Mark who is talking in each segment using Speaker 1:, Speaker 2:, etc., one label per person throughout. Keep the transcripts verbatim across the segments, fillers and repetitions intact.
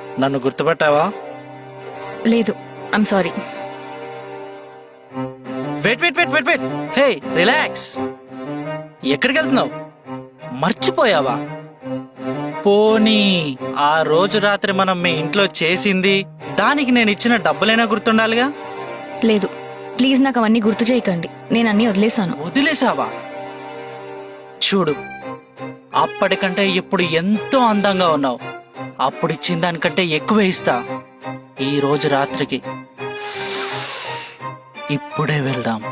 Speaker 1: నన్ను గుర్తుపట్టావా?
Speaker 2: లేదు, I'm sorry.
Speaker 1: Wait wait wait wait wait hey relax. ఎక్కడికి వెళ్తున్నావు? మర్చిపోయావా? పోనీ ఆ రోజు రాత్రి మనం మీ ఇంట్లో చేసింది దానికి నేను ఇచ్చిన డబ్బులైనా గుర్తుండాలిగా?
Speaker 2: లేదు, ప్లీజ్ నాకు అవన్నీ గుర్తు చేయకండి. నేను అన్నీ వదిలేశాను.
Speaker 1: వదిలేసావా? చూడు, అప్పటికంటే ఇప్పుడు ఎంతో అందంగా ఉన్నావు. అప్పుడు ఇచ్చిన దానికంటే ఎక్కువ ఇస్తా ఈ రోజు రాత్రికి. ఇప్పుడే వెళ్దాం.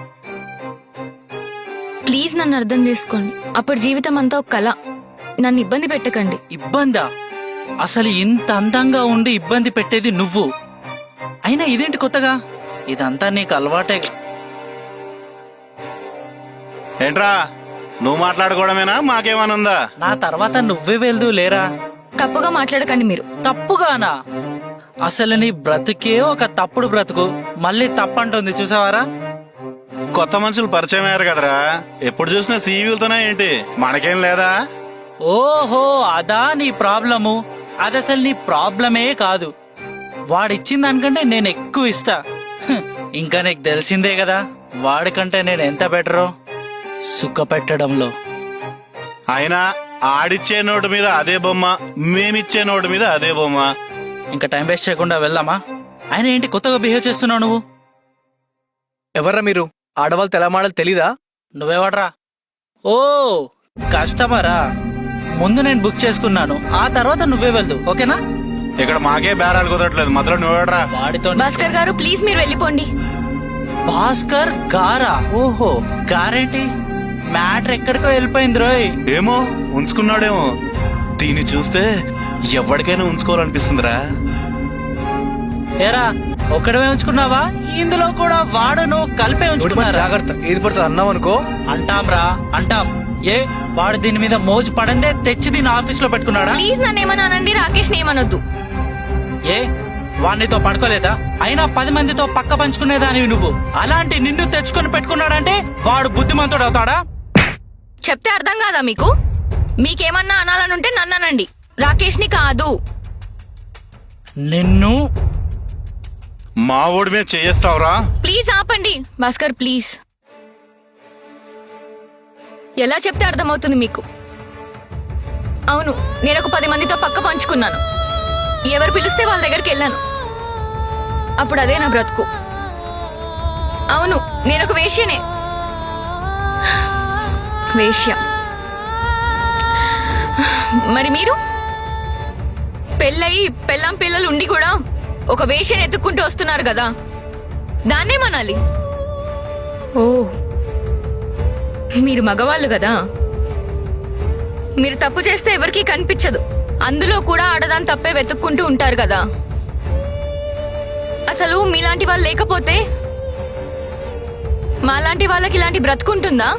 Speaker 2: ప్లీజ్ నన్ను అర్థం చేసుకోండి. అప్పుడు జీవితం అంతా ఒక కళ. నన్ను ఇబ్బంది పెట్టకండి.
Speaker 1: ఇబ్బందా? అసలు ఇంత అందంగా ఉండి ఇబ్బంది పెట్టేది నువ్వు. అయినా ఇదేంటి కొత్తగా? ఇదంతా నీకు అలవాటే.
Speaker 3: ఏంట్రా నువ్వు మాట్లాడుకోవడమేనా? మాకేమనుందా?
Speaker 1: నా తర్వాత నువ్వే వెళ్దు లేరా?
Speaker 2: తప్పుగా మాట్లాడకండి మీరు.
Speaker 1: తప్పుగానా? అసలు నీ బ్రతుకే ఒక తప్పుడు బ్రతుకు. మళ్ళీ తప్పంటుంది చూసావారా?
Speaker 3: కొత్త మనుషులు పరిచయం అయ్యారు కదరా, ఎప్పుడు చూసినా సీవీలతోనే ఏంటి? మనకేం లేదా?
Speaker 1: ఓహో, అదా నీ ప్రాబ్లము? అదసలు నీ ప్రాబ్లమే కాదు. వాడిచ్చిన దానికంటే నేను ఎక్కువ ఇస్తా. హ్, ఇంకా నీకు తెలిసిందే కదా వాడికంటే నేను ఎంత బెటరో సుఖ పెట్టడంలో.
Speaker 3: అయినా ఆడిచ్చే నోటు మీద అదే బొమ్మ, మేమిచ్చే నోటు మీద అదే బొమ్మ.
Speaker 1: ఇంకా టైం వేస్ట్ చేయకుండా వెళ్దామా? ఆయన ఏంటి కొత్తగా బిహేవ్ చేస్తున్నావు నువ్వు?
Speaker 4: ఎవర్రా మీరు? ఆడవాళ్ళు తెలమాడలు తెలీదా?
Speaker 1: నువ్వెవడ్రా? ఓ కస్టమరా? ముందు నేను బుక్ చేసుకున్నాను, ఆ తర్వాత నువ్వే వెళ్దు, ఓకేనా?
Speaker 3: ఇక్కడ మాకే బేరాలు కుదరట్లేదు, మధ్యలో నువ్వేడ్రా?
Speaker 1: వాడితో
Speaker 2: భాస్కర్ గారు, ప్లీజ్ మీరు వెళ్ళిపోండి.
Speaker 1: భాస్కర్ గారా? ఓహో, గారేంటి? మ్యాటర్ ఎక్కడికో వెళ్ళిపోయింది రోయ్.
Speaker 3: ఏమో ఉంచుకున్నాడేమో. దీన్ని చూస్తే ఎవరికైనా ఉంచుకోవాలనిపిస్తుందిరా.
Speaker 1: ఏరా, ఒక్కడమే ఉంచుకున్నావా? ఇందులో కూడా వాడును కలిపే
Speaker 4: నోటి మాట
Speaker 1: ఉంచుకున్నారా?
Speaker 4: జాగ్రత్త, ఏది పడుతుంది అన్నావు అనుకో.
Speaker 1: అంటాంరా అంటాం. ఏ వాడు దీని మీద మోజు పడందే తెచ్చి దీని ఆఫీస్ లో పెట్టుకున్నాడా?
Speaker 2: ప్లీజ్ నన్ను ఏమన్నానండి, రాకేష్ ఏమనొద్దు.
Speaker 1: ఏ వాడితో పడుకోలేదా? అయినా పది మందితో పక్క పంచుకునేదానివి నువ్వు. అలాంటి నిన్ను తెచ్చుకొని పెట్టుకున్నాడంటే వాడు బుద్ధిమంతుడు అవుతాడా?
Speaker 2: చెప్తే అర్థం కాదా మీకు? మీకేమన్నా అనాలనుంటే నన్ను అనండి, రాకేష్ ని కాదు.
Speaker 1: నిన్ను
Speaker 3: మా ఓడి మీద చేస్తావురా?
Speaker 2: ప్లీజ్ ఆపండి భాస్కర్, ప్లీజ్. ఎలా చెప్తే అర్థమవుతుంది మీకు? అవును, నేను ఒక పది మందితో పక్క పంచుకున్నాను. ఎవరు పిలిస్తే వాళ్ళ దగ్గరికి వెళ్ళాను. అప్పుడు అదే నా బ్రతుకు. అవును, నేను ఒక వేశ్యనే. వేశ్య. మరి మీరు పెళ్ళయి పెళ్ళాం పిల్లలు ఉండి కూడా ఒక వేశ్యని ఎత్తుక్కుంటూ వస్తున్నారు కదా, దాన్నేమనాలి? ఓ, మీరు మగవాళ్ళు కదా. మీరు తప్పు చేస్తే ఎవరికీ కనిపించదు, అందులో కూడా ఆడదాని తప్పే వెతుక్కుంటూ ఉంటారు కదా. అసలు మీలాంటి వాళ్ళు లేకపోతే మాలాంటి వాళ్ళకి ఇలాంటి బ్రతుకుంటుందా?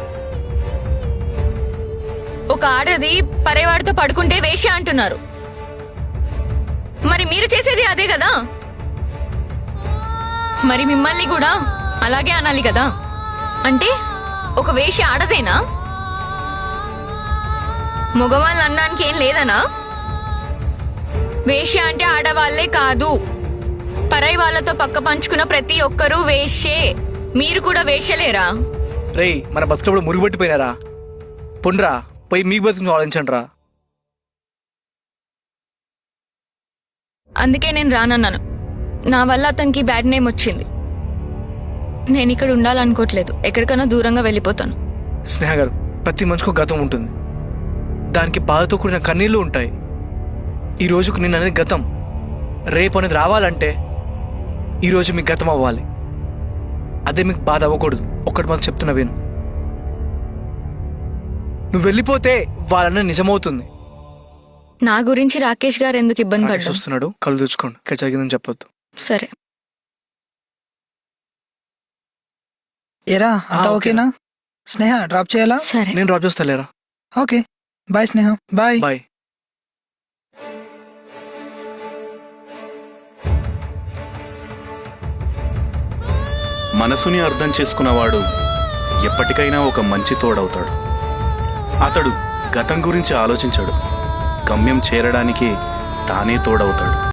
Speaker 2: ఒక ఆడది పరేవాడితో పడుకుంటే వేశ్య అంటున్నారు. మరి మీరు చేసేది అదే కదా. మరి మిమ్మల్ని కూడా అలాగే అనాలి కదా. అంటే ఒక వేశ్య ఆడదేనా? మగవాళ్ళు అనడానికి ఏం లేదనా? వేశ్య అంటే ఆడవాళ్లే కాదు, పరాయి వాళ్ళతో పక్క పంచుకున్న ప్రతి ఒక్కరూ వేశ్యే. మీరు కూడా వేశ్యలేరా?
Speaker 4: రేయ్, మన బతుకులు మురుగుబట్టిపోయినారా? పొండ్రా, పోయి మీకు బతుకు ఆలోచించండి రా.
Speaker 2: అందుకే నేను రానన్నాను. నా వల్ల అతనికి బ్యాడ్ నేమ్ వచ్చింది. నేను ఇక్కడ ఉండాలనుకోవట్లేదు, ఎక్కడికైనా దూరంగా వెళ్ళిపోతాను.
Speaker 4: స్నేహ గారు, ప్రతి మనిషికి గతం ఉంటుంది, దానికి బాధతో కూడిన కన్నీళ్లు ఉంటాయి. ఈ రోజుకు నేను అనేది గతం, రేపు అనేది రావాలంటే ఈరోజు మీకు గతం అవ్వాలి. అదే మీకు బాధ అవ్వకూడదు. ఒక్కటి మాకు చెప్తున్నా విను. నువ్వు వెళ్ళిపోతే వాళ్ళన్న నిజమవుతుంది.
Speaker 2: నా గురించి రాకేష్ గారు ఎందుకు ఇబ్బంది పడ్డా
Speaker 4: చూస్తున్నాడు, కళ్ళు తెచ్చుకోండి. ఇక్కడ జరిగిందని చెప్పొద్దు.
Speaker 2: సరే.
Speaker 5: ఏరా అంతా ఓకేనా? స్నేహ డ్రాప్ చేయాలా?
Speaker 2: సరే,
Speaker 4: నేను డ్రాప్ చేస్తా లేరా.
Speaker 5: Okay bye Sneha. Bye
Speaker 4: bye.
Speaker 3: మనసుని అర్థం చేసుకున్నవాడు ఎప్పటికైనా ఒక మంచి తోడవుతాడు. అతడు గతం గురించి ఆలోచించాడు, గమ్యం చేరడానికి తానే తోడవుతాడు.